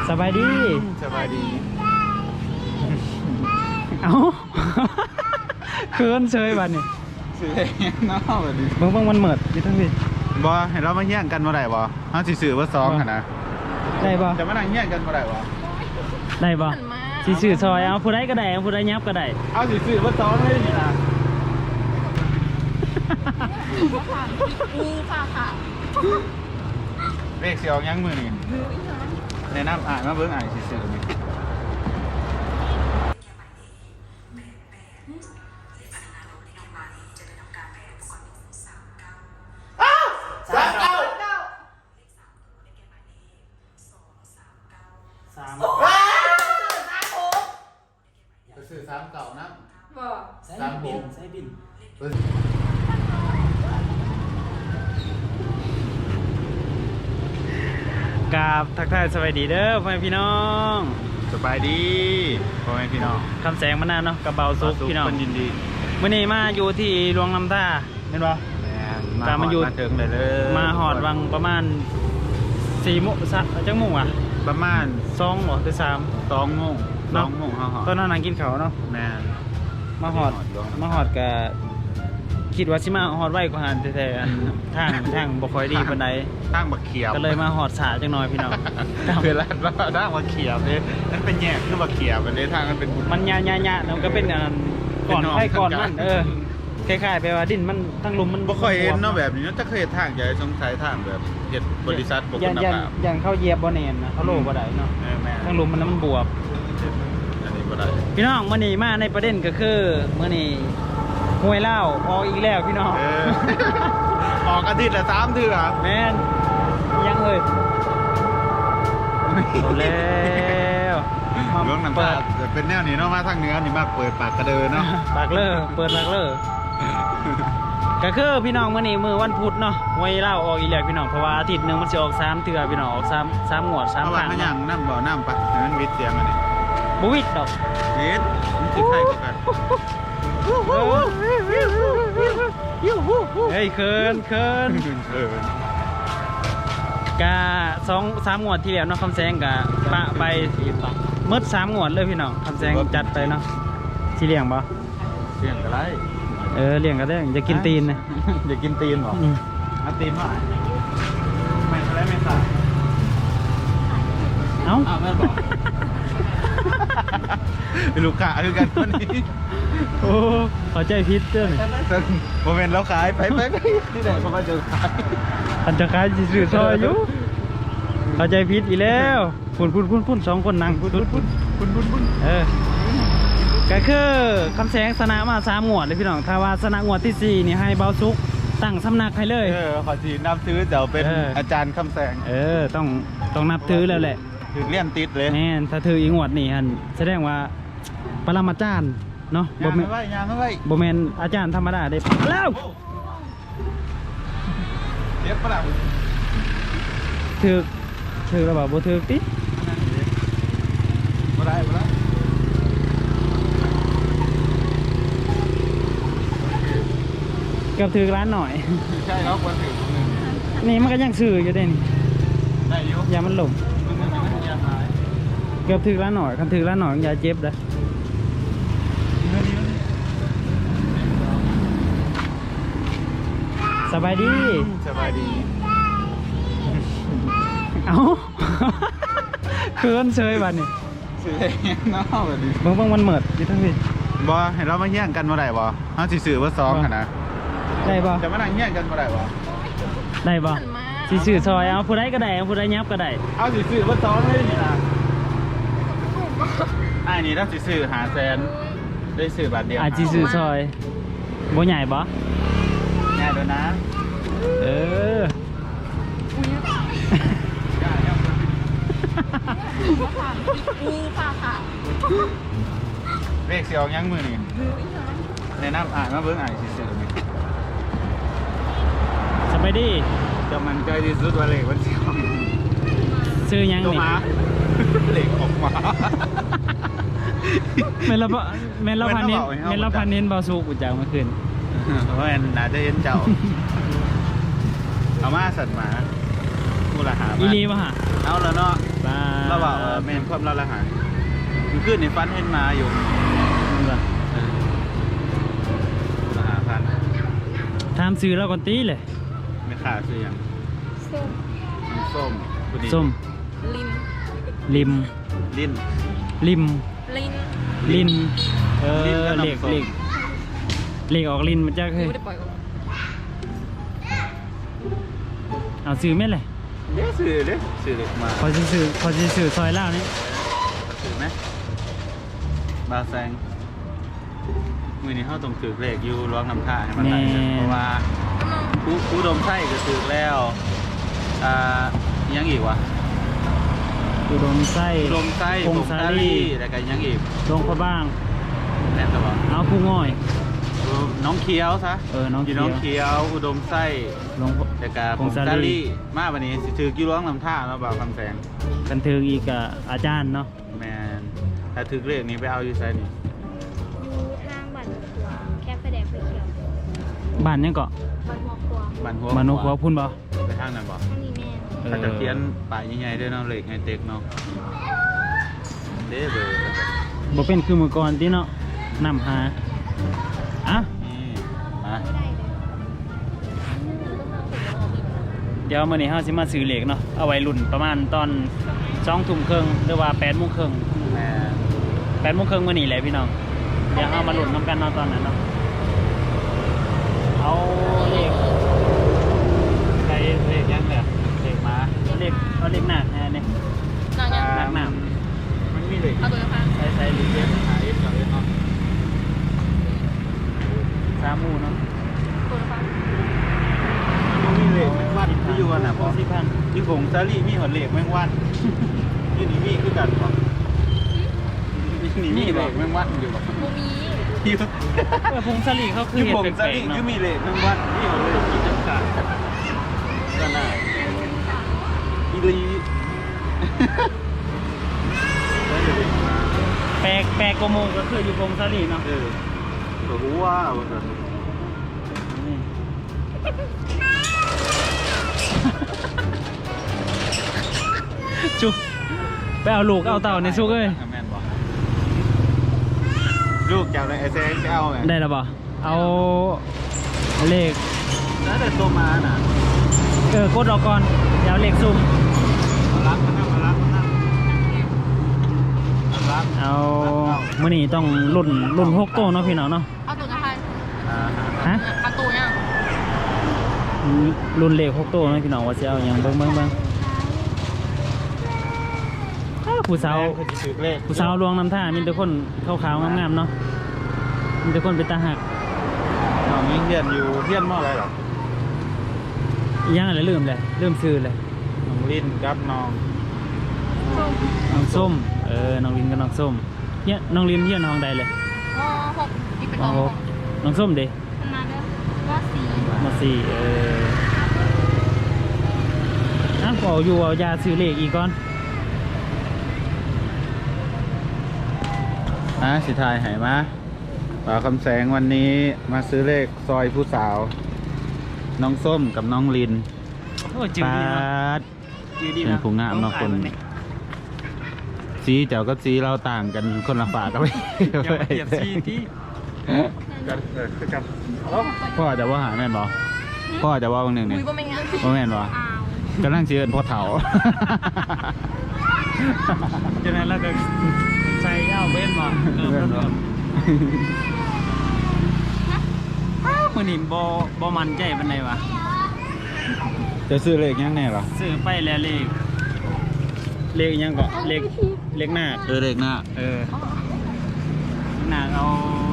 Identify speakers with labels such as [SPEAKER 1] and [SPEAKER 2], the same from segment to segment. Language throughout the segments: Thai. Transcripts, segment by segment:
[SPEAKER 1] สบายดี
[SPEAKER 2] สบายดี
[SPEAKER 1] เอ้าเคินเชยบัดนี่
[SPEAKER 2] ซื้อเองเนาะบัดนี้
[SPEAKER 1] เบิ่งมันเหมิดอยู่ทั้งนี้
[SPEAKER 2] บ่เห็นเรามาแย่งกันบ่ได้บ่เฮาสิซื้อว่า2หั่นนะ
[SPEAKER 1] ได้บ่
[SPEAKER 2] จะมานั่งแย่งกันบ่ได้บ่
[SPEAKER 1] ได้บ่สิซื้อซอยเอาผู้ใดก็ได้เอาผู้ใดยับก็ได้
[SPEAKER 2] เอาสิซื้อว่า2เลยนี่ล่ะ
[SPEAKER 3] มีค่ะ
[SPEAKER 2] เลขสิออกยังมื้อนี้แนะนำอ่านมาเบิ่งอ่านสิซื้อนี่ซื้อ3เก่านะ
[SPEAKER 3] บ่
[SPEAKER 1] 3บินใส่บินกราบทักทายสวัสดีเด้อพ่อแม่พี่น้อง
[SPEAKER 2] สบายดีพ่อแม่พี่น้อง
[SPEAKER 1] คำแสงมานานเนาะกระเบาซุกพี่น้อง
[SPEAKER 2] ยินดี
[SPEAKER 1] มื้อนี้มาอยู่ที่หลวงลำท่าเห็นบ่
[SPEAKER 2] มาอยู่ถึงเลย
[SPEAKER 1] มาหอดวังประมาณ4 โมงจังโมงอ่ะ
[SPEAKER 2] ประมาณ
[SPEAKER 1] 2หรอหรือ3
[SPEAKER 2] 2 โมงเฮา
[SPEAKER 1] ตอนนั้นนั่งกินข้าวเนาะ
[SPEAKER 2] แม่
[SPEAKER 1] มาหอดก็คิดว่าสิมาหอดไว้กว่าหันแท้ๆทางบ่ค่อยดีปานใด
[SPEAKER 2] ทางบักเขียบ
[SPEAKER 1] ก็เลยมาหอดสาจังหน่อยพี่น้อง
[SPEAKER 2] เวลาทางบักเขียบนี่มันเป็นแยกคือบักเขียบอันนี้ทางมันเป็น
[SPEAKER 1] มันยะๆแล้วก็เป็นก่อนมันคล้ายๆไปว่าดินมันทั้งลุมมัน
[SPEAKER 2] บ่ค่อยเห็นเนาะแบบนี้จะเคยเห็นทางใหญ่สงสัยทางแบบเฮ็ดบริษัทบ่คุณภาพ
[SPEAKER 1] อย่างเข้าเหยียบบ่แน่นนะเขาโลบ่ได้เนาะทั้งลุมมันบวบ
[SPEAKER 2] อันนี้บ่ได้
[SPEAKER 1] พี่น้องมื้อนี้มาในประเด็นก็คือมื้อนี้ห้วยเล่าออกอีกแล้วพี่น้อง
[SPEAKER 2] ออกอาทิตย์ละ3เทื่อ
[SPEAKER 1] แม่นยังเอ้ยเอาแล้ว
[SPEAKER 2] หลวงน้ำตาเป็นแนวนี้เนาะมาทางเหนือนี่มาเปิดปากกระเดินเนาะ
[SPEAKER 1] ปากเล่อเปิดปากเล่อก็คือพี่น้องมื้อนี้มื้อวันพุธเนาะห้วยเล่าออกอีกแล้วพี่น้องเพราะว่าอาทิตย์นึงมันสิออก3เทื่อพี่น้องออก3งวด3ครั้ง
[SPEAKER 2] เนาะยังน้ำบ่น้ำปะให้มันวิดเสียงอันนี้
[SPEAKER 1] บ่วิดดอก
[SPEAKER 2] วิดมันสิใครกว่ากัน
[SPEAKER 1] เฮ้ยเคินกะ2-3 งวดที่แล้วเนาะคำแสงกะปะไปหมด3 งวดเลยพี่น้องคำแสงจัดไปเนาะสิเลี้ยงบ่
[SPEAKER 2] เลี้ยงก็ได้
[SPEAKER 1] เลี้ยงก็ได้จะกินตีนนะ
[SPEAKER 2] อย่ากินตีนหรอเอาตีนมาไม่อะไรไม่ใส่
[SPEAKER 1] เอ้า
[SPEAKER 2] แม่บอกลูกค้าคือกันคนนี้
[SPEAKER 1] โอ้ขอใจพิษเจ้าหน่อย
[SPEAKER 2] โมเมนต์เราขายไปที่ไหนเขามาเจอขาย
[SPEAKER 1] อันจะขายจีสื่อซอยอยู่ขอใจพิษอีกแล้วพุ่น2 คนนั่งพุ่นก็คือคำแสงสนะมา3 งวดเลยพี่น้องถ้าว่าสนะงวดที่4นี่ให้เบาซุกตั้งสำนักให้เลย
[SPEAKER 2] ขอจีนับถือเดี๋ยวเป็นอาจารย์คำแสง
[SPEAKER 1] ต้องนับถือแล้วแหละ
[SPEAKER 2] ถือเลี่ยนติดเลย
[SPEAKER 1] แน่ถ้าถืออีงวดนี่ฮันแสดงว่าปรมาจารย์เนาะ
[SPEAKER 2] ยางไม่ไหว
[SPEAKER 1] บ่แม่นอาจารย์ธรรมดาได้แล้ว
[SPEAKER 2] เรียบปะล่ะ
[SPEAKER 1] ถือแล้วบ่ถือติ
[SPEAKER 2] บ่ได้
[SPEAKER 1] เกือบถือร้านหน่อย
[SPEAKER 2] ใช่แล้วควรถือ
[SPEAKER 1] นี่มันก็ยังซื้ออยู่ได้นี่
[SPEAKER 2] ได้อยู่
[SPEAKER 1] อย่ามันหลงเกือบถือร้านหน่อยคันถือร้านหน่อยอย่าเจ็บเลยสบายดีเอ้าเคินเชยบัดนี่
[SPEAKER 2] ซื้อเองเนาะบัดนี้
[SPEAKER 1] เบิ่งมันเหมิดอยู่ทั้งนี้
[SPEAKER 2] บ่เห็นเรามาแย่งกันบ่ได้บ่เฮาสิซื้อว่า2หั่นนะ
[SPEAKER 1] ได้บ่
[SPEAKER 2] จะมานั่งแย่งกันบ่ได้บ่
[SPEAKER 1] ได้บ่สิซื้อซอยเอาผู้ใดก็ได้เอาผู้ใดยับก็ได้
[SPEAKER 2] เอาสิซื้อว่า2เลยนี่ล่ะนี่ถ้าสิซื้อ500,000ได้ซื้อบาทเดียว
[SPEAKER 1] สิซื้อซอยบ่ใหญ่บ่
[SPEAKER 2] ใหญ่ด้วยนะ
[SPEAKER 3] มีค่ะ
[SPEAKER 2] เลขสิออกยังมื้อนี้แนะนำอ่านมาเบิ่งสิซื้อนี่
[SPEAKER 1] สบายดี
[SPEAKER 2] จะมันใจที่สุดว่าเลขมันสิออก
[SPEAKER 1] ซื้อยังนี่
[SPEAKER 2] เลขออกมา
[SPEAKER 1] เมลพันนินเบาสูกูจากเมื่อคืน
[SPEAKER 2] เพราะว่าน่าจะเห็นเจ้าเอามาสัตว์หมาผู้ละหา
[SPEAKER 1] อีลีป่ะฮะ
[SPEAKER 2] เอาแล้วเนาะเราบอกแม่นความละหายมันขึ้นในฟันเห็นมาอยู่
[SPEAKER 1] นี่ว่ะ
[SPEAKER 2] ละหาพัน
[SPEAKER 1] ถามซื้อแล้วก่อนตีเลย
[SPEAKER 2] ไม่ขาดซื้ออย่าง
[SPEAKER 3] ส้ม
[SPEAKER 2] น้ำส้มผู้ดี
[SPEAKER 1] ส้ม
[SPEAKER 3] ลิน
[SPEAKER 1] ลิม
[SPEAKER 2] ลิ้น
[SPEAKER 1] ลิม
[SPEAKER 3] ลิน
[SPEAKER 1] ลิน
[SPEAKER 2] ลิ้นก็
[SPEAKER 1] เหล็ก
[SPEAKER 2] น้ำส้ม
[SPEAKER 1] เหล็กออกลินมันจะเคย
[SPEAKER 3] ไม่ได้ปล่อยออก
[SPEAKER 1] เอาซื้อไหมเลย
[SPEAKER 2] เด้ซื้อเด้ซื้อเล็กมา
[SPEAKER 1] พอจะซื้อซอยเล่าวนี่
[SPEAKER 2] ซื้อไหมบาแซงมือนี้เขาต้องถือเลขอยู่ร้องน้ำท่าให้มันได้เพราะว่าอุดมไส้ก็ถือแล้วยังอีกวะ
[SPEAKER 1] อุดมไส้
[SPEAKER 2] อุดมไส้
[SPEAKER 1] พง
[SPEAKER 2] ผง
[SPEAKER 1] ซา
[SPEAKER 2] ซา
[SPEAKER 1] ลี
[SPEAKER 2] ลี่แล้วก็ยังอีก
[SPEAKER 1] ลงพระบ้าง
[SPEAKER 2] แน่นตลอด
[SPEAKER 1] เอาผู้ง่อย
[SPEAKER 2] น้องเคี้ยวซะ
[SPEAKER 1] น้อง
[SPEAKER 2] อยู่
[SPEAKER 1] เขี
[SPEAKER 2] น้อง
[SPEAKER 1] ยว
[SPEAKER 2] เคี้ยวอุดมไส้
[SPEAKER 1] ลง
[SPEAKER 2] แล้วก็
[SPEAKER 1] ผ
[SPEAKER 2] ผ
[SPEAKER 1] ง
[SPEAKER 2] ง
[SPEAKER 1] ซา
[SPEAKER 2] ซา
[SPEAKER 1] ลี่
[SPEAKER 2] ลี่มาวันนี้สิถือกี่ร้องน้ำท่าแล้วบ่าวคำแสง
[SPEAKER 1] กันเทิงอีกกับอาจารย์เนาะ
[SPEAKER 2] แมนถ้าถือเลขนี้ไปเอาอยู่ไซนี่
[SPEAKER 3] อยู่ทางบ้านหัวครัวแค่ไฟแดงไฟเขียว
[SPEAKER 1] บ้านยังเกาะ
[SPEAKER 3] บ้านหัวครัว
[SPEAKER 2] บ้านหัว
[SPEAKER 1] มานกหัวพุ่นบ่
[SPEAKER 2] ไปทางนั้นบ่
[SPEAKER 3] ท่านนี้แม่
[SPEAKER 2] ถ้าจะเขียนป้ายใหญ่ๆด้วยเนาะเลขไฮเทคเนาะเด้เบอร์
[SPEAKER 1] บ่เป็นคือมือก่อนที่เนาะนำหาอ่ะ
[SPEAKER 2] นี่มา
[SPEAKER 3] ไม่ได้เลย
[SPEAKER 1] เดี๋ยวมื้อนี้เฮาสิมาซื้อเหล็กเนาะเอาไว้รุ่นประมาณตอน2 ทุ่มครึ่งหรือว่า8 โมงครึ่ง
[SPEAKER 2] แม่
[SPEAKER 1] 8 โมงครึ่งมื้อนี้แหละพี่น้องเดี๋ยวเฮามาลุ้นนํกันเนาะตอนนั้นเนาะเอาเหล็ก
[SPEAKER 2] ใครเลขยังเนี่ยเลขมา
[SPEAKER 1] เหล็กเอาเหล็กหนักแน่นี่
[SPEAKER 3] นอนยัง
[SPEAKER 1] หนักหนา
[SPEAKER 2] มันมีเลข
[SPEAKER 3] เอาตัวนะคะ
[SPEAKER 1] ใส่หรือเป
[SPEAKER 2] หาเอฟกับเอฟเนาะ
[SPEAKER 1] 3 หมู่เนาะ
[SPEAKER 3] ตัวนะคะ
[SPEAKER 2] มันมีเลขแมงวันที่อยู่กันน่ะบ่
[SPEAKER 1] 10,000
[SPEAKER 2] ที่ผงซาลี่มีหอดเลขแมงวันที่นี่มีคือกันบ่นี่มีเลขแมงวันอยู่บ่
[SPEAKER 3] บูมี
[SPEAKER 2] ที่
[SPEAKER 1] พงศลีเขาคือ
[SPEAKER 2] ที่
[SPEAKER 1] เห็ด
[SPEAKER 2] ผง
[SPEAKER 1] แป
[SPEAKER 2] ซา
[SPEAKER 1] ลก
[SPEAKER 2] ลี่
[SPEAKER 1] ๆเนาะ
[SPEAKER 2] คือมีเลขแมงวันที่หอดเลขกินน้ำขาดก็น่าอีลีได้เลขมา
[SPEAKER 1] แปลกกว่าหมู่ก็คืออยู่พงศลีเนาะ
[SPEAKER 2] ตัวหัวว่า
[SPEAKER 1] นี่จุไปเอาลูกเอาเต่าในซุกเอ้ย
[SPEAKER 2] แม่นบ่ลูกเจ้าเลยไอ้แซงจะเอาไง
[SPEAKER 1] ได้แล้วบ่เอาเลข
[SPEAKER 2] แล้วแต่ตัวมาน่ะ
[SPEAKER 1] กดออกก่อนเดี๋ยวเอาเลขซุ่ม
[SPEAKER 2] มารับมานั่งมารับมานั่งมารับ
[SPEAKER 1] เอามื้อนี้ต้องรุ่น6 โต้เนาะพี่น้องเนาะ
[SPEAKER 3] เอาตัวนะคะ
[SPEAKER 1] ฮะ
[SPEAKER 3] เอาตัวยัง
[SPEAKER 1] รุ่นเลข6 โต้เนาะพี่น้องว่าสิเอาหยังเบิ่งอ้าวผู้สาว
[SPEAKER 2] คือจะถือเลข
[SPEAKER 1] ผู้สาวลวงน้ำท่ามีแต่คนขาวๆงามๆเนาะมีแต่คนเป็นตาหัก
[SPEAKER 2] น้องยิ่งเรียนอยู่เรียนมออะไรหรอ
[SPEAKER 1] อีหยังอะไรลืมซื้อเลย
[SPEAKER 2] น้องลิ้นกับน้อง
[SPEAKER 1] น้องส้มน้องลินกับน้องส้มเฮียน้องลินเฮียน้องใดเลย
[SPEAKER 3] ม.6อีกเป็น
[SPEAKER 1] น้
[SPEAKER 3] ม
[SPEAKER 1] องน้องส้มเด้
[SPEAKER 3] ขนาดเด้อว่าสี
[SPEAKER 1] มาสี่อ่ะก็เอาอยู่เอายาซื้อเลขอีกก่อน
[SPEAKER 2] สิทายหายมาป่าคำแสงวันนี้มาซื้อเลขซอยผู้สาว น้องส้มกับน้องลิน
[SPEAKER 1] โอ้จืด
[SPEAKER 2] ปา
[SPEAKER 1] ดีเนาะ
[SPEAKER 2] ด
[SPEAKER 1] จืดดี
[SPEAKER 2] เป็นผู้งามเนาะคน สีเจ้ากับสีเราต่างกันคนละฝากันไป
[SPEAKER 1] อย่ามาเปรียบซีที่
[SPEAKER 2] พ่อจะว่าหาแม่นบ่พ่อจะว่าบางหนึ่งเนี่ย
[SPEAKER 3] อุ้ยบ่แม่นงั้น
[SPEAKER 2] ว่าแม่นบ่
[SPEAKER 3] อ้าว
[SPEAKER 2] กำลังเชื่อพ่อเฒ่า
[SPEAKER 1] ฉะนั้นเราก็ใส่เอาเบ้นมาเริ่มมื่อนี้บ่มันใจปานใดวะ
[SPEAKER 2] จะซื้อเลขยังแน่หรอ
[SPEAKER 1] ซื้อไปแล้วเลขยังก็เลขหน้า
[SPEAKER 2] เลขหน้า
[SPEAKER 1] หน้าเอา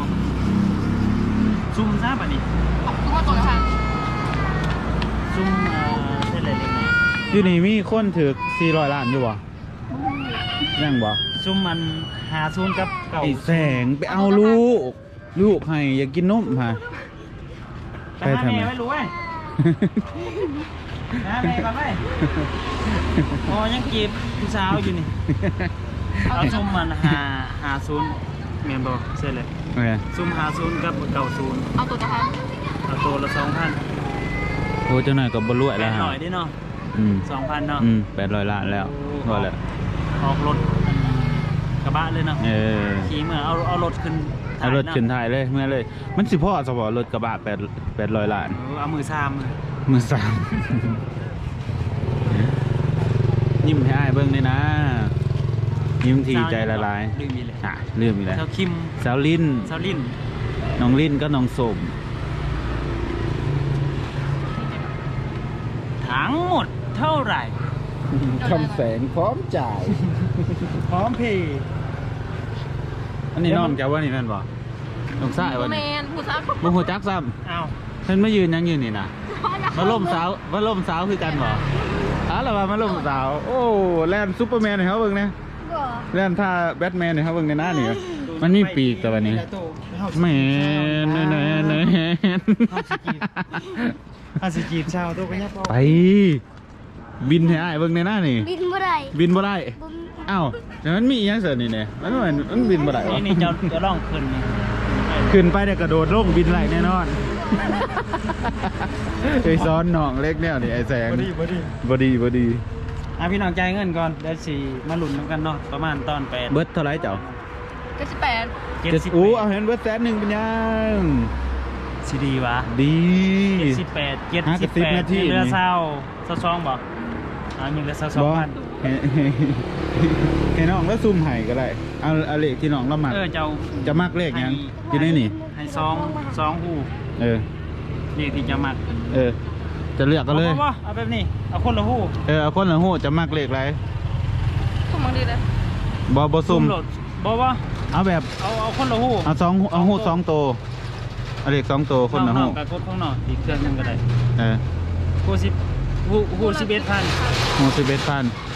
[SPEAKER 1] ซุ่มซะบัดนี้
[SPEAKER 3] เอาตัวนะคะ
[SPEAKER 1] ซุ่มเส้นอะไรเลขไหน
[SPEAKER 2] อยู่นี่มีคนถือ400 ล้านอยู่บ่ยังบ่
[SPEAKER 1] ซุ่มมัน50กับเก่า
[SPEAKER 2] ไอ้แสงไปเอาลูกให้อยากกินนมฮะ
[SPEAKER 1] ไปหาแม่ไม่รู้เว้ยหาแม่ก่อนเว้ยอ๋อยังจีบผู้สาวอยู่นี่เอาซุ่มมัน50เมียนบ่เส้นเลย
[SPEAKER 2] โอเค
[SPEAKER 1] ซุ่ม50กับ90
[SPEAKER 3] เอาตัวนะคะ
[SPEAKER 1] เอาตัวละ 2,000
[SPEAKER 2] โอ้เจ้าหน่อยกับบรรลุแล้วฮะ
[SPEAKER 1] หน่อยดิเนาะ 2,000เนาะ
[SPEAKER 2] 800 ล้านแล้วพอแล้ว
[SPEAKER 1] ออกรถกระบะเลยเนาะ ขี่เมื่อเอารถขึ้น
[SPEAKER 2] เอารถขึ้นถ่ายเลยเมื่อเลย มันสิพ่อสปอรถกระบะ800 ล้าน
[SPEAKER 1] เอามือซ้
[SPEAKER 2] มือสามยิ้มให้อ้ายเบิ่งเลยนะ ยิ้ม
[SPEAKER 1] ำ
[SPEAKER 2] ทีใจละลาย
[SPEAKER 1] ลืมอีกเลย
[SPEAKER 2] อ่ะลืมอีกแล้ว
[SPEAKER 1] เจ้าคิม
[SPEAKER 2] สาวลิ้น
[SPEAKER 1] เจ้าลิน
[SPEAKER 2] น้องลิ้นก็น้องสม
[SPEAKER 1] ทั้งหมดเท่าไหร่
[SPEAKER 2] คำแสงพร้อมจ่าย
[SPEAKER 1] พร้อมเพย์
[SPEAKER 2] อันนี้น้องแกว่านี่แม่นบ่น้องสายว่า
[SPEAKER 3] แม
[SPEAKER 2] นี่
[SPEAKER 3] นผู้ซัก
[SPEAKER 2] บ่ฮู้จักซ้
[SPEAKER 1] อ้าว
[SPEAKER 2] ำเพิ่นมายืนยังยืนนี่นะมาล่มสาวคือกันบ่แล้วว่ามาล่มสาว โอ้แล่นซุปเปอร์แมนให้เฮาเบิ่งนะ
[SPEAKER 3] บ่
[SPEAKER 2] แล่นท่าแบทแมนให้เฮาเบิ่งในหน้านี่มันมีปีกแต่วันนี้แม่น
[SPEAKER 1] อาสิจีบชาวตัวก็ยับ
[SPEAKER 2] ไปบินให้อ้ายเบิ่งในหน้านี่
[SPEAKER 3] บินบ่ได้
[SPEAKER 2] บินบ่ได้
[SPEAKER 3] บุญ
[SPEAKER 2] อ้าวแต่มันมีอีหยังเสิร์นี่เนี่ยมันบินบ่ได้วะ
[SPEAKER 1] นี่จะล่องขึ้นนี่
[SPEAKER 2] ขึ้นไปเนี่ยกระโดดลงบินไหลแน่นอนไอ้ซ้อนน้องเล็กเนี่ยนี่ไอ้แสงบ่ดี
[SPEAKER 1] พี่น้องจ่ายเงินก่อนเดี๋ยวสิมาลุ้นกันเนาะประมาณตอน8
[SPEAKER 2] เบิดเท่าไหร่เจ้า
[SPEAKER 3] 98
[SPEAKER 2] อู้เอาเห็นเบิด100,000เป็นยัง
[SPEAKER 1] สิดีวะ
[SPEAKER 2] ดี
[SPEAKER 1] 78
[SPEAKER 2] หากระซิบนาที
[SPEAKER 1] เรือ
[SPEAKER 2] นี่
[SPEAKER 1] เศร้าบ่ยังเหลือ
[SPEAKER 2] บ่
[SPEAKER 1] 22,000
[SPEAKER 2] ให้น้องแล้วซุ่มให้ก็ได้เอาเลขที่น้องเรามัก
[SPEAKER 1] เจ้า
[SPEAKER 2] จะมักเลขหยังอยู่ในนี่
[SPEAKER 1] ให้2หู
[SPEAKER 2] เออ
[SPEAKER 1] นี่ที่จะมัก
[SPEAKER 2] จะเลือกก็เลย
[SPEAKER 1] เอาแบบนี้เอาคนละหู
[SPEAKER 2] เอาคนละฮู้จะมักเลขอะไร
[SPEAKER 3] ผมมังดีเลย
[SPEAKER 2] บ่ซุ่ม
[SPEAKER 1] โหลดบ่
[SPEAKER 2] เอาแบบ
[SPEAKER 1] เอาคนละหู
[SPEAKER 2] เอาหู2ตัวเอาเลข2ตัวคนละหู
[SPEAKER 1] กับกดข้างนอกอีกเครื่องหนึงก็ได้ หู11,000
[SPEAKER 2] หู11,000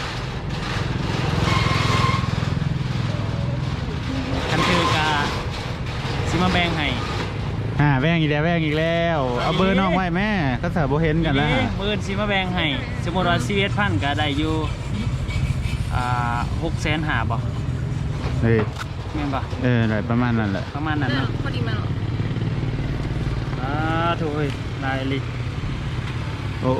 [SPEAKER 1] คันคือกาสิมาแบ่งให้
[SPEAKER 2] แบ่งอีกแล้วเอาเบอร์น้องไว้แม่ก็สาบ่เห็นกันแล้ว
[SPEAKER 1] เบิร์นสิมาแบ่งให้สมมติว่า11,000ก็ได้อยู่650,000บ่
[SPEAKER 2] เฮ้ย
[SPEAKER 1] แม่นบ่
[SPEAKER 2] อะไรประมาณนั้นแหละ
[SPEAKER 1] ประมาณนั้นเนาะ
[SPEAKER 3] พอดีมาหรอ
[SPEAKER 1] ถูกเอ้ยลายลิ
[SPEAKER 2] โอ้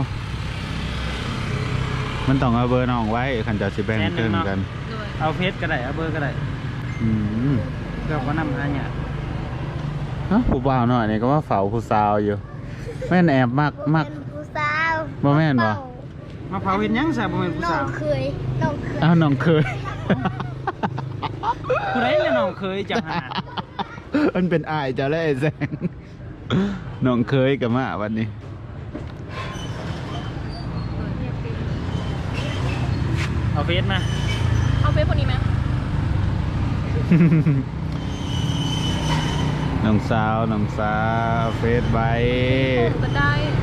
[SPEAKER 2] มันต้องเอาเบอร์น้องไว้คันจะสิแบ่งครึ่งกัน
[SPEAKER 3] ด้วย
[SPEAKER 1] เอาเพชรก็ได้เอาเบอร์ก็ได้ เดี๋ยวก็นำหาเนี่ย
[SPEAKER 2] ผู้บ่าวหน่อยนี่ก็ว่าเฝ้าผู้สาวอยู่แม่นแอบมัก
[SPEAKER 3] ผู้สาว
[SPEAKER 2] บ่แม่นบ่
[SPEAKER 1] มาเผาเห็นยังซะบ่แม่นผู้
[SPEAKER 3] น้อ
[SPEAKER 1] สาง ว
[SPEAKER 3] เคย
[SPEAKER 2] อ้าวน้องเคย
[SPEAKER 1] ผู้ใดเลยน้องเคยจังหา
[SPEAKER 2] มันเป็นอายเจ้าแล้วไอ้แสงน้องเคยกับมาวันนี้
[SPEAKER 1] เอาเพชรมา
[SPEAKER 3] เอาเฟซคนนี้ไหม
[SPEAKER 2] น้องสาวเฟซไว้
[SPEAKER 3] ผมก็ได้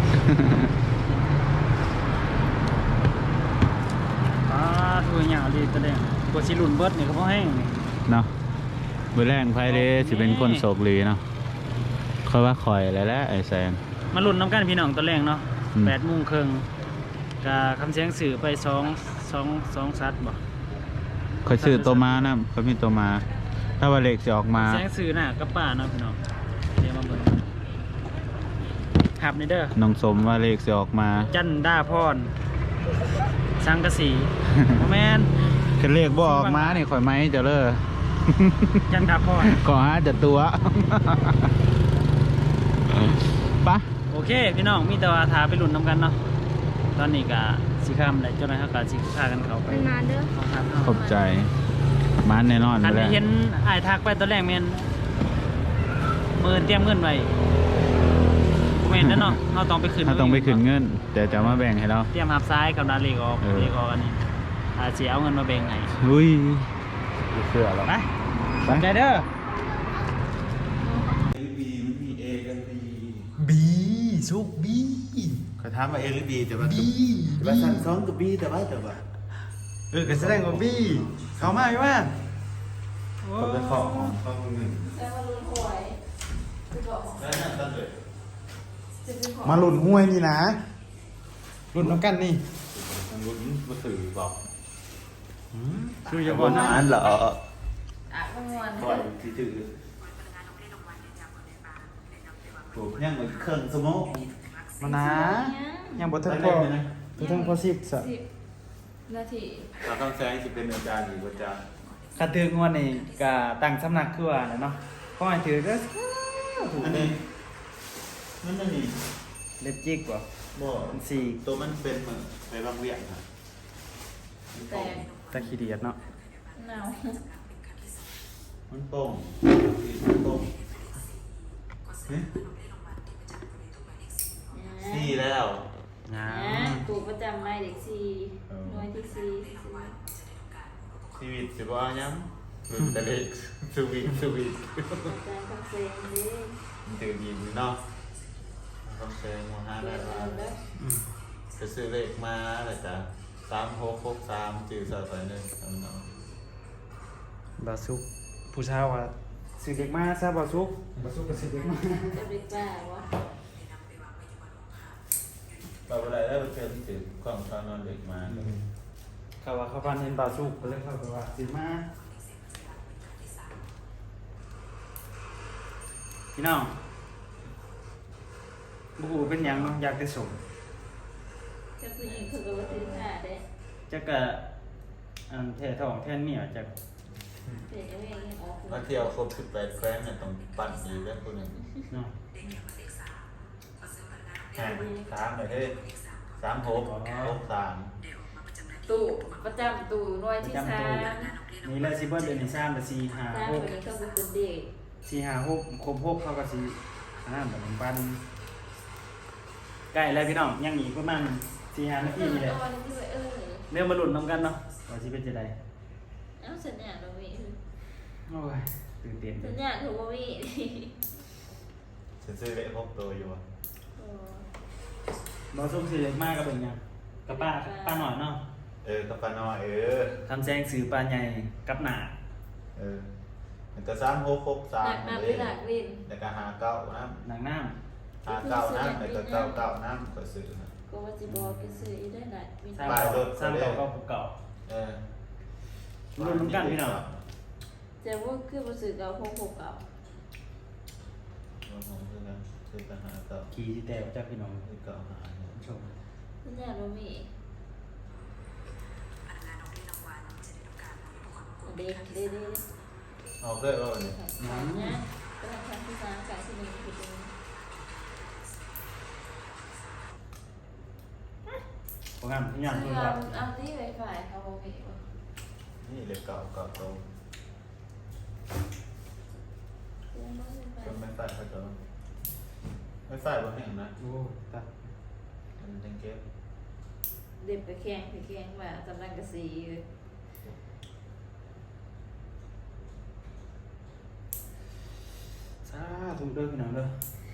[SPEAKER 1] ถูกหยาวดีแสดงกว่าสิรุ่นเบิดนี่ก็บ่แห้งนี่
[SPEAKER 2] เนาะเบอร์แรกไพ่เด้สิเป็นคนโศกลีเนาะค่อยว่าคอยอะไรแล้วไอ้แซง
[SPEAKER 1] มาลุ้นน้ำกันพี่น้องตอนแรกเนาะ
[SPEAKER 2] อืม
[SPEAKER 1] 8:30นกะคำเสียงสื่อไป2ซัดบ่
[SPEAKER 2] คอยซื้อตัวมานะเขามีตัวมา ถ้าว่าเลขจะออกมา
[SPEAKER 1] เสียงสื่อน่ะกับป้าเนาะพี่น้องเดี๋ยวมาเบิ่งครับนี่เด้อ
[SPEAKER 2] น้องสมว่าเลขจะออกมา
[SPEAKER 1] จันดาพรสังกะสีบ่แม่น
[SPEAKER 2] คือเลขบ่ออกมานี่ข่อยไหมเจะเลิก
[SPEAKER 1] จันดาพร
[SPEAKER 2] ขอหาจะตัว ปะ
[SPEAKER 1] โอเคพี่น้องมีแต่ว่าทาไปลุ้นน้ำกันเนาะตอนนี้ก็สิค่ำแล้วเจ้าหน้าที่ก็สิพากันเข้าไป
[SPEAKER 3] นานๆเด้อ
[SPEAKER 1] ครับ
[SPEAKER 2] ขอบใจมันแน่นอน
[SPEAKER 1] อัน
[SPEAKER 2] ไป
[SPEAKER 1] นี้
[SPEAKER 2] แล้ว
[SPEAKER 1] เห็นอ้ายทักไปตอนแรกแม่นเตรียมเงินไว้บ่แม่นเด้อเนาะเราต้องไปขึ้น
[SPEAKER 2] ถ้าต้องไปขึ้นเงินแต่จะมาแบ่งให้เรา
[SPEAKER 1] เตรียมหับซ้ายกับนาเลขออก
[SPEAKER 2] เออ
[SPEAKER 1] เลขออกอันนี้สิเอาเงินมาแบ่งให้
[SPEAKER 2] อุ้ยเสื้อเรา
[SPEAKER 1] ไปขอบใจเด้อ
[SPEAKER 4] บีสุกบี
[SPEAKER 5] เขาถามว่าเอหรือบีแต่ว่าสั่งสองกับบีแต่ว่า
[SPEAKER 4] ก็แสดงว่าบีเข้ามาอยู่ว่า
[SPEAKER 5] เขาไปขอข้อหนึ่ง
[SPEAKER 4] มาหลุนห้วยนี่นะหลุนน้ำกันนี่
[SPEAKER 5] ทางรุ่นมาสื่อบอก
[SPEAKER 4] คืออย่า
[SPEAKER 5] บ
[SPEAKER 4] บอก
[SPEAKER 5] น
[SPEAKER 4] นะ
[SPEAKER 5] นั้นเหรอ
[SPEAKER 3] มวน
[SPEAKER 5] ปล่อยที่ถือถูกยังเหมือนเครื่องสมอง
[SPEAKER 4] มานะยังบ่ทันพอบ่ทันพอ10ซะ
[SPEAKER 6] นาที
[SPEAKER 5] เราต้องแซงสิเป็นอาจารย์หรืออาจารย์
[SPEAKER 1] คันถืองวดนี่ก็ตั้งสำนักคือว่าน่ะเนาะขอให้ถือเด้อถูก
[SPEAKER 5] อันนี้นั่นนี่
[SPEAKER 1] เล็บจิกบ่
[SPEAKER 5] บ่
[SPEAKER 1] มันสี่
[SPEAKER 5] ตัวมันเป็นเหมือนไปบางเวียงค่ะ
[SPEAKER 6] แต่
[SPEAKER 1] ตะขี้เดียดเนาะ
[SPEAKER 6] หนาว
[SPEAKER 5] มันโป่งมันโป่งสี่แล้ว
[SPEAKER 1] งา
[SPEAKER 6] ตูประจำไม่เด็กสี่น้อยที่สี่
[SPEAKER 5] ชีวิตสิบ่ายังแต่เล็กสวีท
[SPEAKER 6] อาจารย์คำเซงดิ
[SPEAKER 5] มันตื่นยินเนาะต้องแซงมาห้า
[SPEAKER 6] เปิ
[SPEAKER 5] ได้
[SPEAKER 6] ด
[SPEAKER 5] ว่า
[SPEAKER 6] แล้ว
[SPEAKER 5] จะซื้อเลขมาเลยจ้ะ3663จื่อซอยไปนึงเอาเนาะ
[SPEAKER 1] บาซุกผู้ชายว่าสิเด็กมาซะบาซุกบาซุกก็สิเด็กมา
[SPEAKER 6] จะเป็นป้าวะ
[SPEAKER 5] เราเวลาได้ไปเจอที่ถือกล่องตอนนอนเด็กมา
[SPEAKER 1] เขาว่าเขาพันเห็นบาซุกก็เลยเขาก็ว่าสิมาพี่น้องบ่ฮู้เป็นหยังเนาะอยากได้สม
[SPEAKER 6] จะผู้หญิงคือกับว่าถึงหน้าเด้
[SPEAKER 1] จักกะอันแท้ท้องแท้เมียจัก
[SPEAKER 6] เดี๋ยวยังยังออก
[SPEAKER 5] มาเที่ยวครบ18แคว้นเนี่ยต้องปั่นอีกแล้วคนหนึ่ง
[SPEAKER 1] เนาะ
[SPEAKER 5] สามเลยเฮ้ย3663
[SPEAKER 6] ตู่ประจำตู่น้อยที่สาม
[SPEAKER 1] นี่แหละสิเบิดเดือนที่3ละ4
[SPEAKER 6] สาม
[SPEAKER 1] 5
[SPEAKER 6] คน
[SPEAKER 1] 6
[SPEAKER 6] นี้ก็เป็นเด็ก
[SPEAKER 1] 4 5 6ครบ6เขาก็สิอันนั้นแบบปันใกล้แล้วพี่น้องยังอีกประมาณ4-5 นาทีนี่แหละ
[SPEAKER 6] ตอนนี้ด้วย
[SPEAKER 1] เริ่มมาลุ้นนำกันเนาะว่าสิเป็นจังได๋
[SPEAKER 6] เอ้าสัญญาณเรามี
[SPEAKER 1] โอ้ยตื่นเต้น
[SPEAKER 6] สัญญาณถูกว่ามี
[SPEAKER 5] ฉันซื้อเลข6ตัวอยู่อ่ะ
[SPEAKER 1] บ่ส่งสิเล็กมากก็เป็นหยังกับป้าหน่อยเนาะ
[SPEAKER 5] กับปาน้อย
[SPEAKER 1] คำแซงสื่อปลาใหญ่กับหนา
[SPEAKER 5] มันก็
[SPEAKER 6] หนัก
[SPEAKER 5] 3663
[SPEAKER 6] น้ำหรือหนักวิน
[SPEAKER 5] แล้วก็59นะ
[SPEAKER 1] หนังน้
[SPEAKER 5] 59นะแล้วก็99นะก็ซื้อนะ
[SPEAKER 6] ก็ว่าจะบอกกันซื้อได้หนักวิน
[SPEAKER 1] ำสร้าง
[SPEAKER 5] ปลายรถ
[SPEAKER 1] สร้างเก่าก็เก่า รุ่นน้ำกันพี่น้อง
[SPEAKER 6] จะว่าคือมาซื้อเก่าพกเก่า
[SPEAKER 5] ซื้อกันหาเก่า
[SPEAKER 1] ขี่สิแต่จากพี่น้อง
[SPEAKER 5] ซื้อเก่าหา
[SPEAKER 1] ชม
[SPEAKER 6] สัญญาณเรามีเด็กเด็ก
[SPEAKER 5] เอาเพื่อนว่าเนี่ย
[SPEAKER 6] ขายนะก็ทำที่ร้านขายที่นี่คือตรงนี้
[SPEAKER 1] โปรแกรมที่งาน
[SPEAKER 6] ซื้
[SPEAKER 1] เพื่
[SPEAKER 6] อ
[SPEAKER 1] อนว่า
[SPEAKER 6] เอาที่ไวไฟเขาบอกมีว่า
[SPEAKER 5] นี่เลขเก่าโตก็ไม่ใส่เขาจะไม่ใส่บนแห่งนะ
[SPEAKER 1] โอ้ตัด
[SPEAKER 5] มันยังเก็บ
[SPEAKER 6] เด็กไปแข่งมาสำนักกระสีเลย
[SPEAKER 1] สาธุเด้อพี่น้องเด้อ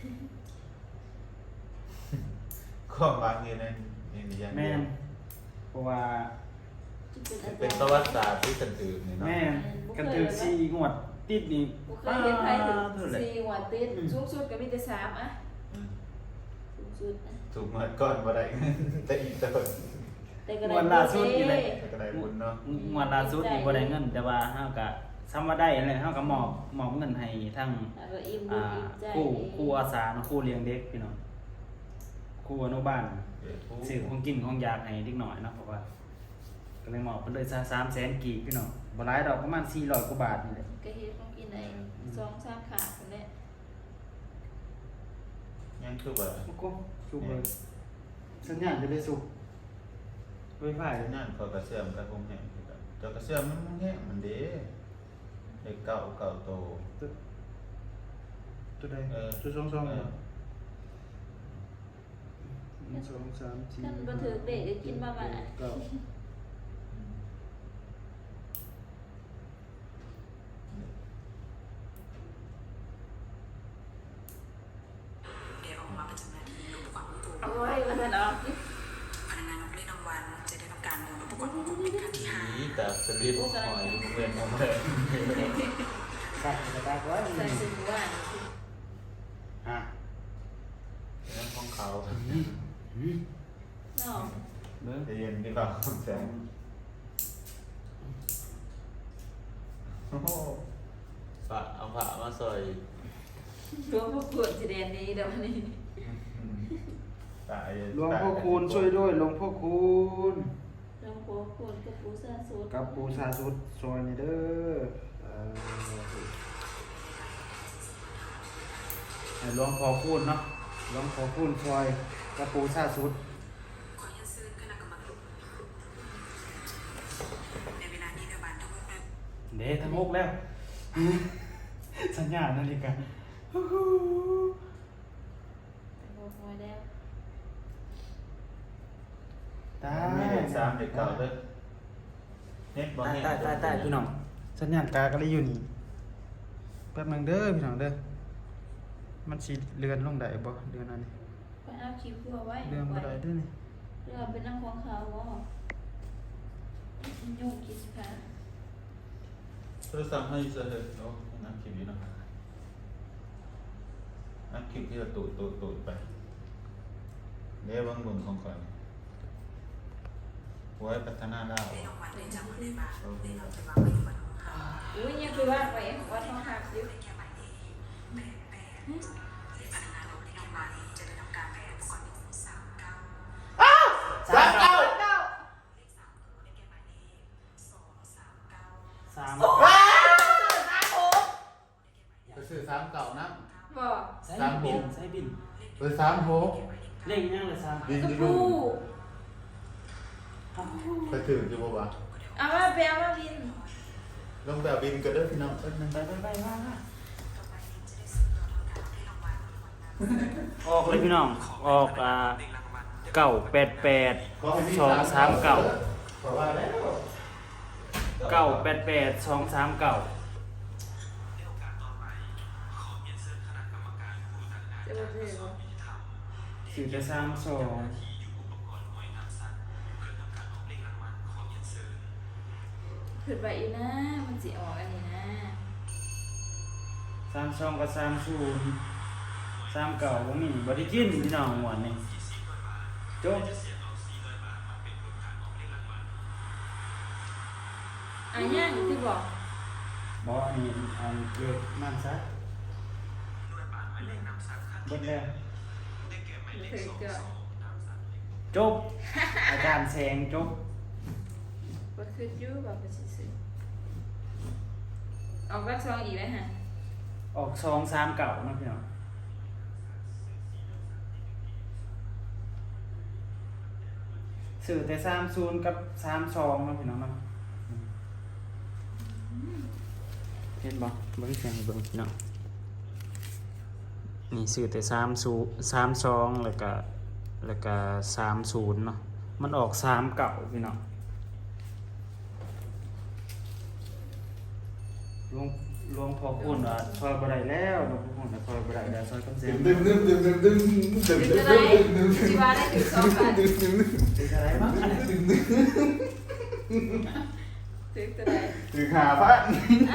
[SPEAKER 5] ความบางอยู่ในนี่ยัง
[SPEAKER 1] แม่นเพราะว่า
[SPEAKER 5] เป็นประวัติศาสตร์ที่ฉันถือนี่เนาะ
[SPEAKER 1] แม่นกันถึง4งวดติดนี่
[SPEAKER 6] บุเคยเห็นใครถึง
[SPEAKER 1] เท่าไหร่
[SPEAKER 6] 4 หัวติดสูงสุดก็มีแต่3อ่ะสูงสุดนะ
[SPEAKER 5] ถูกมาก่อนบ่ได้แต่อีกแต่คน
[SPEAKER 6] แต่ก็
[SPEAKER 1] ง
[SPEAKER 6] ได้
[SPEAKER 1] วดล่าสุดนี่แหละ
[SPEAKER 5] แต่ก็ได้บุญเนาะ
[SPEAKER 1] งวดล่าสุดนี่บ่ได้เงินแต่ว่าเฮาก็ซ้ำว่าได้นั่นแหละเฮาก็มอบเงินให้ทั้ง
[SPEAKER 6] แล้วก็อิ่มบุญอิ่มใจ
[SPEAKER 1] ครูอาสาเนาะครูเลี้ยงเด็กพี่น้องครูอนุบาลซื้อของกินของยาให้เด็กหน่อยเนาะเพราะว่าก็เลยมอบเพิ่นเลย300,000กีบพี่น้องบ่หลายดอกประมาณ400กว่าบาทนี่แหละ
[SPEAKER 6] ก็เฮ็ดของกินได้2-3ขาดคนแหละ
[SPEAKER 5] ยังคือว่า
[SPEAKER 1] โอ้โหสุกเลยสัญญาณจะได้สุกไวไฟ
[SPEAKER 5] นั่นเขากระเสื่อมกระพงแห้งคือกันเจ้ากระเสื่อมมันแห้งมันเด้เลขเก่าโต
[SPEAKER 1] ตัวใด
[SPEAKER 5] เออ
[SPEAKER 1] ตัว2 2 1 2 3 4
[SPEAKER 6] ท่านบ่ถือเด็กได้กินมาบ้า
[SPEAKER 1] เก้า
[SPEAKER 6] โอ้ยว่าซั่นเนาะ
[SPEAKER 7] พนักงานเล่นรางวัลจะได้ทำการลงประกวดผู้เป็นครั้งที่
[SPEAKER 5] ผีแต่สลิปหอยเวียนมาเลย
[SPEAKER 1] สัตว์กระตากไว้
[SPEAKER 6] ใส่ซื้อว่า
[SPEAKER 1] อ่ะ
[SPEAKER 5] นั่นของเขา
[SPEAKER 6] เนาะ
[SPEAKER 1] เบิ่ง
[SPEAKER 5] จะเย็นที่เราแสงโอ้โหฝะเอาฝะมาใส่
[SPEAKER 6] รวมประกวดสิแดนนี้เดี๋ยวนี้
[SPEAKER 5] ตาย
[SPEAKER 1] หลวงพ่อคูณช่วยด้วยหลวงพ่อคูณ
[SPEAKER 6] รวมปูปูกับปูซาสูตร
[SPEAKER 1] กับปูซาสุดซอยนี่เด้อให้หลวงพอคูณเนาะหลวงพอคูณซอยกับปูซาสุด
[SPEAKER 7] ขอยันซื้อคณะกรรมการในเวลานี้เดบันทั้งหมดเป็น
[SPEAKER 1] เด้ทั้งหกแล้ว สัญญาณนาฬิกา
[SPEAKER 6] โอ้โหแล้ว
[SPEAKER 1] ตา
[SPEAKER 5] มีเด็กสามเด็กเก่าเด้อเน็ตบ่
[SPEAKER 1] ตาย
[SPEAKER 5] แห้ง
[SPEAKER 1] ตายพี่น้องสัญญาณกาก็เลยอยู่นี่แป๊บนึงเด้อพี่น้องเด้อมันสิเลื่อนลงได้บ่เดือนอันนี้
[SPEAKER 6] ไปเอาคลิปเพื่อไว้
[SPEAKER 1] เลื่อนบ่ได้เด้อนี่
[SPEAKER 6] เรื่องเป็นนั่งของเขาว่ายุ่งกิจการ
[SPEAKER 5] โทรศัพท์ให้เสร็จเนาะนั่งคลิปอยู่เนาะนั่งคลิปที่เราตูดไปเดี๋ยวบางบุญของก่อนไว้พัฒนาดาว
[SPEAKER 7] ในรางวัลในจังหวัดในบ้านในเราจะวางไว้ที่วันของเขา
[SPEAKER 6] อุ้ยยังคือว่าไปวัดทองหักอยู่
[SPEAKER 7] แค่หมายเลข8เลขพนักงานของในรางวัลจะได้ทำการแปลอุปกรณ์39 เลข3ตัวได้แก่หมายเลข239
[SPEAKER 1] 3
[SPEAKER 5] ไปซื้อสามเก่านะ
[SPEAKER 6] บอก
[SPEAKER 1] ใส่บินใส่บิน
[SPEAKER 5] ไปสามโห
[SPEAKER 1] เลขยังเลย3
[SPEAKER 5] บิน
[SPEAKER 6] กระ
[SPEAKER 5] ที่
[SPEAKER 6] ปู
[SPEAKER 5] ลูกไปถึงอยู่บ่วะ
[SPEAKER 6] เอามาไปเอามาบิน
[SPEAKER 5] ลงแบบบินก็ได้พี่น้อง
[SPEAKER 1] ไปว่าออกเลยพี่น้องออก988 239
[SPEAKER 5] เพราะว่าแล้ว
[SPEAKER 1] 988 239
[SPEAKER 6] จะมาเจอ
[SPEAKER 1] สื่อจะ32
[SPEAKER 6] ขึ้นไปอีกนะมันสิออกอันนี้นะ
[SPEAKER 1] 32กับ30 39บ่มีบ่ได้กินพี่น้องหวานนี่จบ
[SPEAKER 6] อันนี้คือบอก
[SPEAKER 1] บ่อันนี้อันเกิดมันซะเบิดแล้ว
[SPEAKER 6] เคยเกิด
[SPEAKER 1] จบ อาจารย์แสงจบ
[SPEAKER 6] ก็คือยูแบบเป็นสิออกรักซองอีกแล้วฮะ
[SPEAKER 1] ออก2 3เก่าเนาะพี่น้องสื่อแต่30กับ32เนาะพี่น้องเนาะเห็นบ่เบิ่งเสียงให้เบิ่งพี่น้องนี่สื่อแต่32แล้วก็30เนาะมันออก3เก่าพี่น้องลวงพอคุณว่าซอยบ่ได้แล้วลวงพอคุณว่าซอยบ่ได้แล้วซอยกำเสียง
[SPEAKER 5] ดึง
[SPEAKER 6] เป็นอะไรจีวาได้ถึง2 บาท
[SPEAKER 1] เป็นอะไรบ้างอันนี้
[SPEAKER 6] ถึงตัวใด
[SPEAKER 5] ถึงหาพัน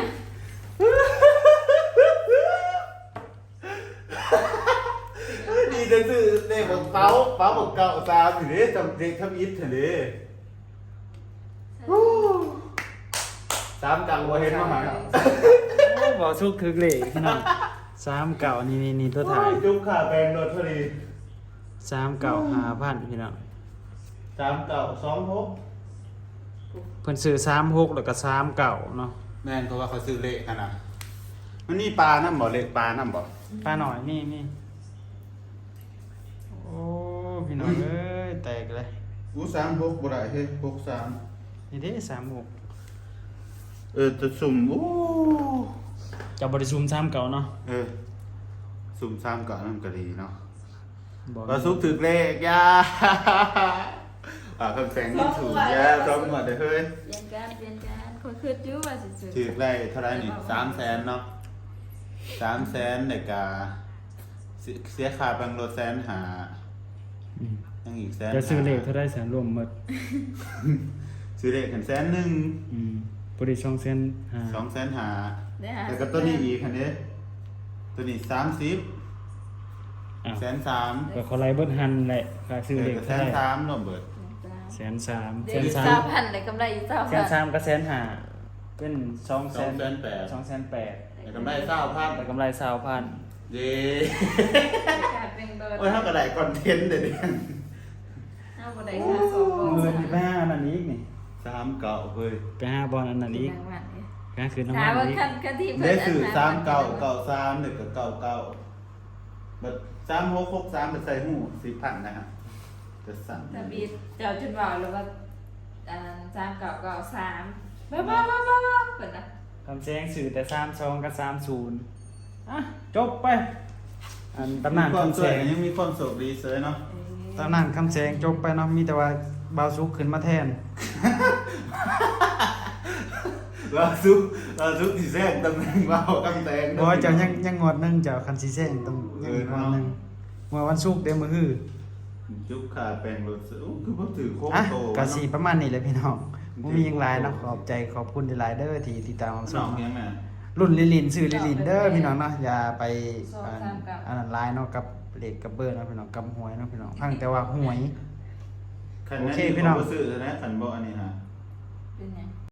[SPEAKER 5] ดีจะซื้อเด็กบอกเป้าบอกเก่าตามอยู่ดิจำเด็กทำอิฐเถอะดิสามกังบ่เห็นมาหา
[SPEAKER 1] โอ้บ่สุกถึกเลยพี่น้อง3เก่านี่ตัวถ่าย
[SPEAKER 5] จุ๊บขาแบนโดนพอดี
[SPEAKER 1] 3เก่า5,000พี่น้อง
[SPEAKER 5] สามเก่าสองหก
[SPEAKER 1] เพิ่นซื้อ36แล้วก็3เก่าเนาะ
[SPEAKER 5] แม่นเพราะว่าเขาซื้อเละขนาดมันมีปลาน้ำบ่เละปลาน้ำบ่
[SPEAKER 1] ป้าหน่อยนี่โอ้พี่น้องเอ้ยแตกเลย
[SPEAKER 5] กูสามหกบ่ได้เฮ้ยหกสาม
[SPEAKER 1] นี่เด้36
[SPEAKER 5] จะสุ่ม
[SPEAKER 1] จะบ่ได้ซูม3เก่าเนาะ
[SPEAKER 5] สุ่มสามเก่านั่นก็ดีเนาะ
[SPEAKER 1] บ่
[SPEAKER 5] ก็ซุกถึกเลขยาคำแสงนี่ถูกยาต้องหมดเลยเฮ้ย
[SPEAKER 6] เปลี่ยนการคนคือยูว่าสิสุด
[SPEAKER 5] ถึกได้เท่าไรนี่300,000เนาะ300,000ในกาเสียค่าบังรถ150,000
[SPEAKER 1] อืม
[SPEAKER 5] ยังอีก100,000
[SPEAKER 1] จะซื้อเลขเท่าได้แสนรวมหมด
[SPEAKER 5] ซื้อเลขกัน100,000
[SPEAKER 1] อืมบ่ได้200,000
[SPEAKER 5] 250,000
[SPEAKER 6] ได้หา
[SPEAKER 5] แล้วก็ตัวนี้อีกคันนี้ตัวนี้30
[SPEAKER 1] อ้าว
[SPEAKER 5] 130,000
[SPEAKER 1] ก็เขาไล่เบิดหันแหละค่าซื้อเลขเท่าได้
[SPEAKER 5] 130,000รวมเบิด
[SPEAKER 1] 130,000
[SPEAKER 6] เดี๋ยวอีก
[SPEAKER 1] 130,000
[SPEAKER 6] 3,000เลยกำไรอีก3,000
[SPEAKER 1] 130,000ก็150,000เป็น200,000 280,000
[SPEAKER 5] แต่กำไร20,000
[SPEAKER 1] แต่กำไร20,000
[SPEAKER 5] เย้
[SPEAKER 6] การเป็นเบอร์
[SPEAKER 5] โอ้ยเท่ากับได้คอนเทนต์เด็ด
[SPEAKER 6] เอาบ่ได้ค่า2
[SPEAKER 1] เงินที่บ้านอันนี้อีกนี่
[SPEAKER 5] ฮ 3เก่าเฮ้ย
[SPEAKER 1] ไปหาบอลอันนั้นอีก
[SPEAKER 6] รางวัลเนี่ย
[SPEAKER 1] ก็คือน้ำ
[SPEAKER 6] ถา
[SPEAKER 1] มั
[SPEAKER 6] ม
[SPEAKER 1] น
[SPEAKER 6] ว่า
[SPEAKER 1] อีก
[SPEAKER 6] คันที่เพิ่
[SPEAKER 5] ได้
[SPEAKER 6] น
[SPEAKER 5] สื่อ
[SPEAKER 6] อัน
[SPEAKER 5] 3เก่าเก่า3หรือก็เก่าเก่าบัด3663ไปใส่หู4,000นะฮะจะสั่น
[SPEAKER 6] ทะเบียนเจ้าจนว่าแล้วว่าอันนั้น3993บ้าเพิ่นน่ะ
[SPEAKER 1] คำแซงสื่อแต่32กับ30อ่ะจบไปอันตำนาน
[SPEAKER 5] ความ
[SPEAKER 1] คำ
[SPEAKER 5] ส
[SPEAKER 1] แซ
[SPEAKER 5] วย
[SPEAKER 1] ง
[SPEAKER 5] ยังมีความสุขดีเสยเนาะ
[SPEAKER 1] ตำนานคำแซงจบไปเนาะมีแต่ว่าเบาซุกขึ้นมาแทน
[SPEAKER 5] เราซุกที่แซงตำแหน่งเบากำแตง
[SPEAKER 1] บ่เจ้ายังงวดหนึงเจ้าคันสิแซงต้องยังอีกงวดหนึงงวดวันศุกร์เด้อมื้อฮื้อ
[SPEAKER 5] จุกขาแปลงรถซื้ออู้คือบ่ถือโค้ง
[SPEAKER 1] อ่ะ
[SPEAKER 5] โต
[SPEAKER 1] ก็สิประมาณนี้แหละพี่น้องบ่มีหยังหลายเนาะขอบใจขอบคุณหลายๆเด้อที่ติดตามรับช
[SPEAKER 5] น้อ
[SPEAKER 1] ม
[SPEAKER 5] งยังไง
[SPEAKER 1] รุ่นลิลินซื้อลิลินเด้อพี่น้องเนาะอย่าไปอันนั้นหลายเนาะกับเลขกับเบอร์เนาะพี่น้องกับหวยเนาะพี่น้องพังแต่ว่าหวย
[SPEAKER 5] คัน
[SPEAKER 1] โอ
[SPEAKER 5] นั้น
[SPEAKER 1] เค
[SPEAKER 5] ที่
[SPEAKER 1] พี่น้อง
[SPEAKER 5] บ่ซื้อนะคันบ่อันนี้ฮะ